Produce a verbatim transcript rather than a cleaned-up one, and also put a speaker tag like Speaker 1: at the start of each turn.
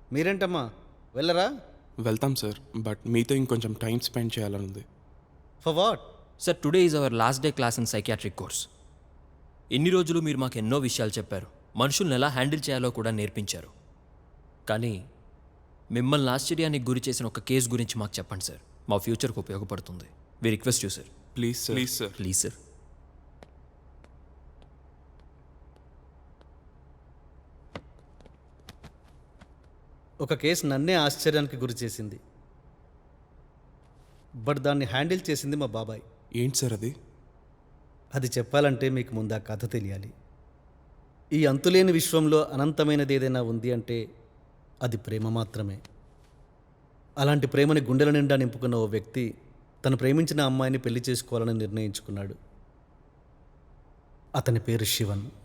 Speaker 1: మీరేంటమ్మా వెళ్ళరా?
Speaker 2: వెళ్తాం sir, but మీతో ఇంకొంచెం టైం స్పెండ్ చేయాలని ఉంది.
Speaker 1: For what?
Speaker 3: Sir today is our last day class in psychiatric course. ఎన్ని రోజులు మీరు మాకు ఎన్నో విషయాలు చెప్పారు, మనుషుల్ని ఎలా హ్యాండిల్ చేయాలో కూడా నేర్పించారు. కానీ మిమ్మల్ని ఆశ్చర్యానికి గురి చేసిన ఒక కేసు గురించి మాకు చెప్పండి సార్. మా ఫ్యూచర్కి ఉపయోగపడుతుంది. We request you sir.
Speaker 2: Please sir, please sir.
Speaker 3: Please sir.
Speaker 1: ఒక కేసు నన్నే ఆశ్చర్యానికి గురి చేసింది, బట్ దాన్ని హ్యాండిల్ చేసింది మా బాబాయ్.
Speaker 2: ఏంటి సార్ అది?
Speaker 1: అది చెప్పాలంటే మీకు ముందు ఆ కథ తెలియాలి. ఈ అంతులేని విశ్వంలో అనంతమైనది ఏదైనా ఉంది అంటే అది ప్రేమ మాత్రమే. అలాంటి ప్రేమని గుండెల నిండా నింపుకున్న ఓ వ్యక్తి తను ప్రేమించిన అమ్మాయిని పెళ్లి చేసుకోవాలని నిర్ణయించుకున్నాడు. అతని పేరు శివన్.